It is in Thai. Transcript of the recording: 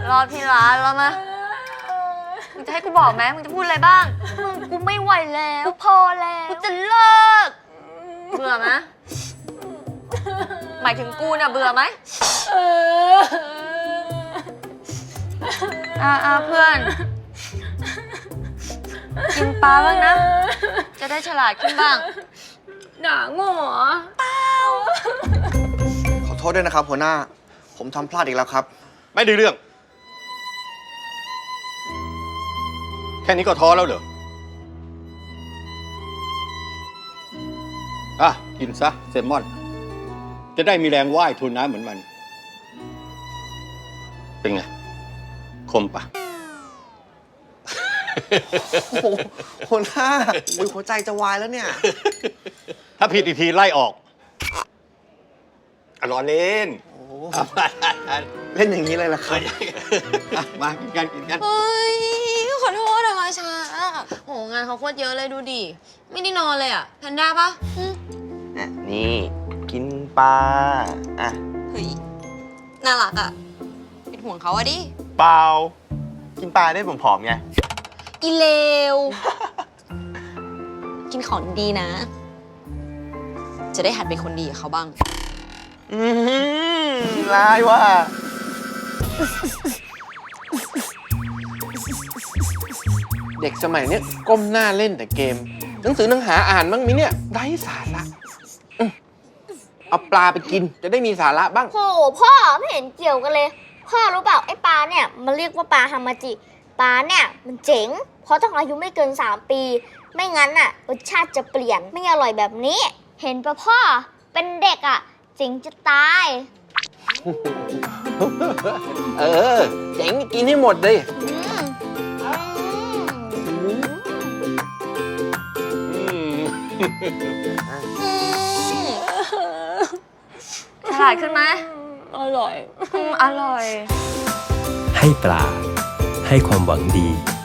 รอพี่ร้านแล้วนะมึงจะให้กูบอกไหมมึงจะพูดอะไรบ้างมึงกูไม่ไหวแล้วกูพอแล้วกูจะเลิกเบื่อไหมหมายถึงกูเนี่ยเบื่อไหมเพื่อนกินปลาบ้างนะจะได้ฉลาดขึ้นบ้างหนาโง่เปล่าขอโทษด้วยนะครับหัวหน้าผมทำพลาดอีกแล้วครับไม่ได้เรื่องแค่นี้ก็ท้อแล้วเหรออ่ะกินซะแซลมอนจะได้มีแรงว่ายทวนน้ำเหมือนมันเป็นไงคมปะโอ้โหหัวหน้าหัวใจจะวายแล้วเนี่ยถ้าผิดอีกทีไล่ออกรอเล่นเล่นอย่างนี้เลยล่ะครับมากินกันกินกันเฮ้ยขอโทษอะมาช้าโหงานเขาโคตรเยอะเลยดูดิไม่ได้นอนเลยอะแพนด้าปะนี่กินปลาอ่ะเฮ้ยน่ารักอะเป็นห่วงเขาอะดิเปล่ากินปลาได้ผอมๆไงอีเลว กินของดีนะ จะได้หัดเป็นคนดีกับเขาบ้างร้ายว่ะเด็กสมัยเนี้ยก้มหน้าเล่นแต่เกมหนังสือหนังหาอ่านบ้างมิเนี่ยไร้สาระเอาปลาไปกินจะได้มีสาระบ้างโหพ่อไม่เห็นเกี่ยวกันเลยพ่อรู้เปล่าไอ้ปลาเนี่ยมันเรียกว่าปลาฮามาจิปลาเนี่ยมันเจ๋งเพราะต้องอายุไม่เกิน3 ปีไม่งั้นน่ะรสชาติจะเปลี่ยนไม่อร่อยแบบนี้เห็นปะพ่อเป็นเด็กอ่ะเจ๋งจะตายเจ๋งกินให้หมดเลยฉลาดขึ้นไหมอร่อยอร่อยให้ปลาให้ความหวังดี